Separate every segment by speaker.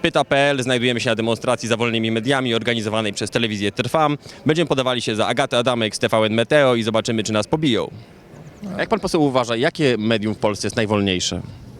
Speaker 1: Pyta.pl. Znajdujemy się na demonstracji za wolnymi mediami organizowanej przez telewizję Trwam. Będziemy podawali się za Agatę Adamek z TVN Meteo i zobaczymy, czy nas pobiją. A jak pan poseł uważa, jakie medium w Polsce jest najwolniejsze?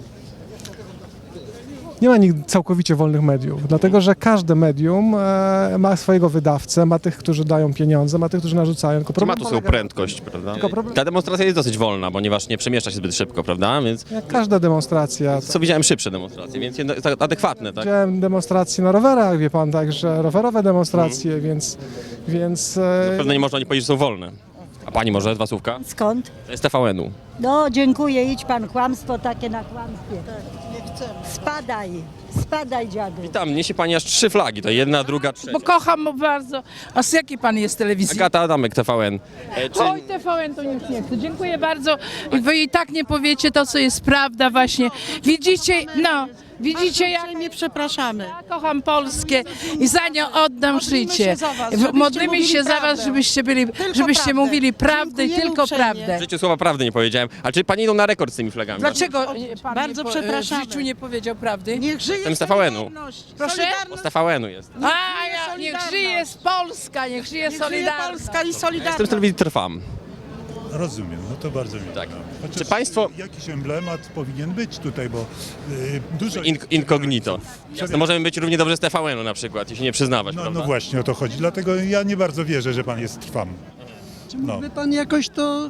Speaker 2: Nie ma nigdy całkowicie wolnych mediów, dlatego że każde medium ma swojego wydawcę, ma tych, którzy dają pieniądze, ma tych, którzy narzucają. Tylko
Speaker 1: Ma
Speaker 2: problem
Speaker 1: tu swoją prędkość, prawda? Ta demonstracja jest dosyć wolna, ponieważ nie przemieszcza się zbyt szybko, prawda? Więc
Speaker 2: Jak każda demonstracja.
Speaker 1: co widziałem szybsze demonstracje, więc adekwatne, tak?
Speaker 2: Widziałem demonstracje na rowerach, wie pan, także rowerowe demonstracje, więc
Speaker 1: Pewno nie można nie powiedzieć, że są wolne. A pani może, dwa słówka?
Speaker 3: Skąd?
Speaker 1: To jest TVN-u.
Speaker 3: No dziękuję, idź pan, kłamstwo takie na kłamstwie. Spadaj dziadu.
Speaker 1: Tam niesie pani aż 3 flagi, to jedna, druga, trzecia.
Speaker 4: Bo kocham mu bardzo. A z jakiej pan jest telewizji?
Speaker 1: Agata Adamek, TVN.
Speaker 4: Oj, TVN to już nie chcę. Dziękuję bardzo. Wy i tak nie powiecie to, co jest prawda właśnie. Widzicie, no, widzicie jak
Speaker 5: Nie przepraszamy.
Speaker 4: ja kocham Polskę i za nią oddam życie.
Speaker 5: się za was, żebyście
Speaker 4: Modlimy się
Speaker 5: mówili
Speaker 4: za was,
Speaker 5: prawdę.
Speaker 4: żebyście
Speaker 5: prawdę.
Speaker 4: mówili prawdę i
Speaker 5: Dziękujemy
Speaker 4: tylko
Speaker 5: uprzejmie.
Speaker 4: prawdę.
Speaker 1: W życiu słowa prawdy nie powiedziałem. A czy pani idą na rekord z tymi flagami?
Speaker 4: Dlaczego pan
Speaker 5: Bardzo
Speaker 4: nie
Speaker 5: przepraszamy.
Speaker 4: w życiu nie powiedział prawdy?
Speaker 5: Niech żyje
Speaker 1: Jestem z TVN-u.
Speaker 5: Solidarność.
Speaker 4: Proszę?
Speaker 1: Bo z TVN-u jest.
Speaker 4: A, niech żyje Polska, niech żyje
Speaker 5: Niech żyje
Speaker 4: Solidarność.
Speaker 5: Polska i
Speaker 1: Jestem z
Speaker 5: Solidarność.
Speaker 1: telewizji Trwam.
Speaker 6: Rozumiem, no to bardzo mi
Speaker 1: Tak.
Speaker 6: Chociaż
Speaker 1: Czy państwo-
Speaker 6: jakiś emblemat powinien być tutaj, bo dużo...
Speaker 1: Incognito. No możemy być równie dobrze z TVN-u na przykład, jeśli nie przyznawać,
Speaker 6: No,
Speaker 1: prawda?
Speaker 6: no właśnie o to chodzi, dlatego ja nie bardzo wierzę, że pan jest Trwam.
Speaker 7: Czy mógłby pan jakoś to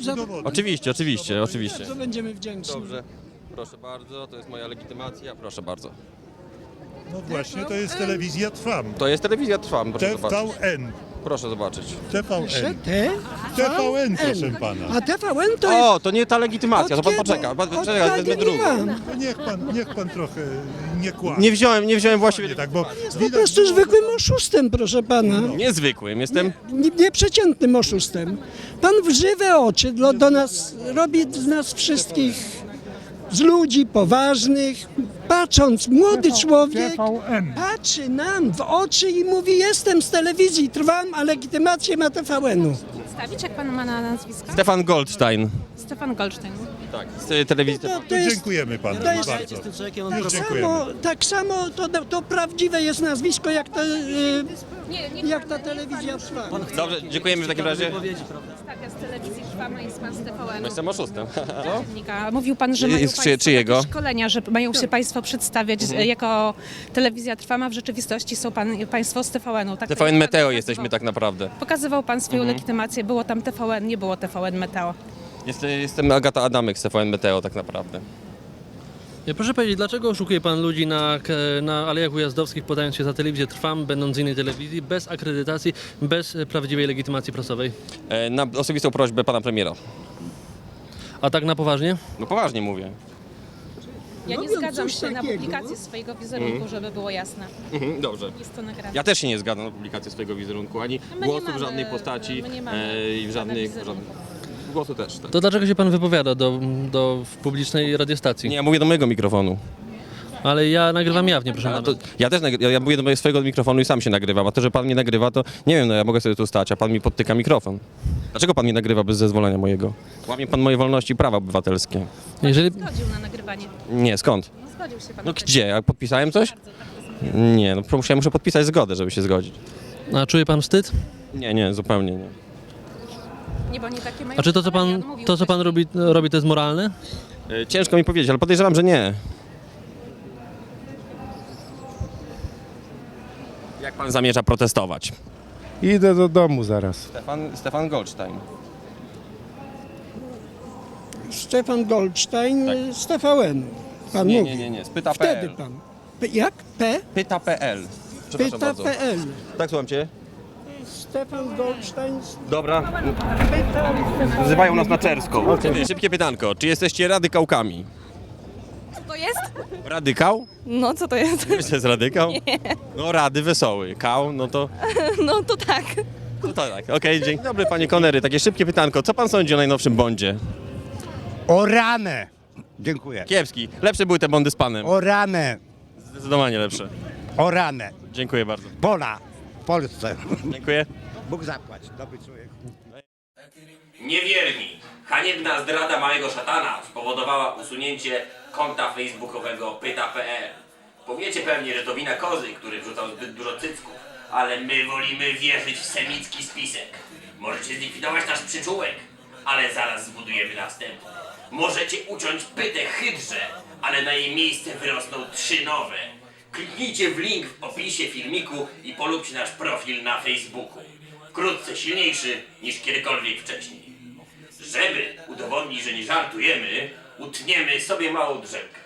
Speaker 1: Oczywiście.
Speaker 7: Bardzo będziemy wdzięczni.
Speaker 1: Dobrze. Proszę bardzo, to jest moja legitymacja, proszę bardzo.
Speaker 6: No właśnie, to jest telewizja Trwam.
Speaker 1: To jest telewizja Trwam, proszę zobaczyć.
Speaker 6: TVN.
Speaker 1: Proszę zobaczyć.
Speaker 6: TVN.
Speaker 7: T?
Speaker 6: TVN, proszę pana.
Speaker 7: A TVN to jest...
Speaker 1: O, to nie ta legitymacja, to pan
Speaker 7: Od
Speaker 1: poczeka.
Speaker 7: kiedy?
Speaker 1: Pan
Speaker 7: Od
Speaker 1: poczeka, wezmę
Speaker 7: kiedy
Speaker 1: drugą.
Speaker 7: ja?
Speaker 6: No niech pan trochę nie kłamie.
Speaker 1: Nie wziąłem właściwie...
Speaker 6: Nie tak, bo
Speaker 7: Po prostu zwykłym oszustem, proszę pana.
Speaker 1: Niezwykłym, jestem...
Speaker 7: Nieprzeciętnym oszustem. Pan w żywe oczy do nas, robi z nas wszystkich, z ludzi poważnych, patrząc, młody człowiek
Speaker 2: TVN.
Speaker 7: patrzy nam w oczy i mówi: jestem z telewizji Trwam, a legitymację ma TVN-u.
Speaker 8: Przedstawić, jak pan ma na nazwisko?
Speaker 1: Stefan Goldstein.
Speaker 8: Stefan Goldstein.
Speaker 1: Tak, z telewizji
Speaker 7: To,
Speaker 1: Trwam.
Speaker 7: to jest
Speaker 6: dziękujemy panu
Speaker 7: to jest-
Speaker 6: bardzo.
Speaker 7: tak
Speaker 6: dziękujemy.
Speaker 7: tak samo to prawdziwe jest nazwisko jak,
Speaker 8: Nie,
Speaker 7: jak ta telewizja Trwam.
Speaker 1: Dobrze, dziękujemy w takim razie.
Speaker 8: Przedstawia z telewizji Trwama, jest pan z TVN-u.
Speaker 1: Jestem oszustem.
Speaker 8: Dziennika. Mówił pan, że mają
Speaker 1: Jest
Speaker 8: państwo
Speaker 1: czyjego?
Speaker 8: takie szkolenia, że mają się państwo przedstawiać jako telewizja Trwama. W rzeczywistości są państwo z TVN-u. Tak
Speaker 1: TVN
Speaker 8: pan
Speaker 1: Meteo
Speaker 8: pokazywał.
Speaker 1: jesteśmy tak naprawdę.
Speaker 8: Pokazywał pan swoją legitymację. Było tam TVN, nie było TVN Meteo.
Speaker 1: Jestem Agata Adamek z TVN Meteo tak naprawdę.
Speaker 9: Proszę powiedzieć, dlaczego oszukuje pan ludzi na Alejach Ujazdowskich, podając się za telewizję Trwam, będąc z innej telewizji, bez akredytacji, bez prawdziwej legitymacji prasowej?
Speaker 1: Na osobistą prośbę pana premiera.
Speaker 9: A tak na poważnie?
Speaker 1: No poważnie mówię.
Speaker 8: Ja nie
Speaker 7: Robią
Speaker 8: zgadzam
Speaker 7: coś
Speaker 8: się na
Speaker 7: takiego.
Speaker 8: publikację swojego wizerunku, żeby było jasne.
Speaker 1: Dobrze.
Speaker 8: Jest to nagrane.
Speaker 1: Ja też się nie zgadzam na publikację swojego wizerunku, ani
Speaker 8: My nie
Speaker 1: głosu w
Speaker 8: mamy-
Speaker 1: żadnej postaci
Speaker 8: my nie mamy
Speaker 1: i w żadnych... Głosu też, tak.
Speaker 9: To dlaczego się pan wypowiada do publicznej radiostacji?
Speaker 1: Nie, ja mówię do mojego mikrofonu.
Speaker 9: Ale ja nagrywam jawnie, proszę
Speaker 1: A
Speaker 9: pana.
Speaker 1: to, ja też ja mówię do mojego swojego mikrofonu i sam się nagrywam, a to, że pan mnie nagrywa, to nie wiem, no ja mogę sobie tu stać, a pan mi podtyka mikrofon. Dlaczego pan mnie nagrywa bez zezwolenia mojego? Łamie pan moje wolności i prawa obywatelskie.
Speaker 9: Jeżeli...
Speaker 8: Zgodził na nagrywanie.
Speaker 1: Nie, skąd?
Speaker 8: No, zgodził się pan.
Speaker 1: No
Speaker 8: na
Speaker 1: gdzie? Ja podpisałem coś?
Speaker 8: Bardzo, tak to samo.
Speaker 1: Nie, no ja muszę podpisać zgodę, żeby się zgodzić.
Speaker 9: A czuje pan wstyd?
Speaker 1: Nie, zupełnie nie.
Speaker 8: Nie, bo nie takie mają
Speaker 9: A czy to, co
Speaker 8: ustalenia.
Speaker 9: pan,
Speaker 8: On mówił
Speaker 9: to, co pan
Speaker 8: wcześniej.
Speaker 9: robi, to jest moralne?
Speaker 1: Ciężko mi powiedzieć, ale podejrzewam, że nie. Jak pan zamierza protestować?
Speaker 10: Idę do domu zaraz.
Speaker 1: Stefan Goldstein.
Speaker 7: Stefan Goldstein z TVN. Pan mówi.
Speaker 1: Nie, z pyta.pl.
Speaker 7: Wtedy pan. Jak?
Speaker 1: Pyta.pl. Przepraszam bardzo.
Speaker 7: Pyta.pl.
Speaker 1: Tak, słucham cię.
Speaker 7: Stefan Goldstein.
Speaker 1: Dobra. Wzywają nas na Czerską. Szybkie pytanko. Czy jesteście radykałkami?
Speaker 8: Co to jest?
Speaker 1: Radykał?
Speaker 8: No, co to jest?
Speaker 1: Wiesz, to jest radykał? Nie. No, rady wesoły. Kał, no to...
Speaker 8: No, to tak.
Speaker 1: No to tak, okej, dzień dobry panie Konery. Takie szybkie pytanko. Co pan sądzi o najnowszym Bondzie?
Speaker 10: O ranę! Dziękuję.
Speaker 1: Kiepski. Lepsze były te Bondy z panem.
Speaker 10: O ranę!
Speaker 1: Zdecydowanie lepsze.
Speaker 10: O ranę!
Speaker 1: Dziękuję bardzo.
Speaker 10: Pola w Polsce.
Speaker 1: Dziękuję.
Speaker 10: Bóg zapłać. Dobry człowiek.
Speaker 1: Niewierni. Haniebna zdrada małego szatana spowodowała usunięcie konta facebookowego pyta.pl.
Speaker 5: Powiecie pewnie, że to wina kozy, który wrzucał zbyt dużo cycków, ale my wolimy wierzyć w semicki spisek. Możecie zlikwidować nasz przyczółek, ale zaraz zbudujemy następny. Możecie uciąć pytę hydrze, ale na jej miejsce wyrosną 3 nowe. Kliknijcie w link w opisie filmiku i polubcie nasz profil na Facebooku. Wkrótce silniejszy niż kiedykolwiek wcześniej. Żeby udowodnić, że nie żartujemy, utniemy sobie małą drzemkę.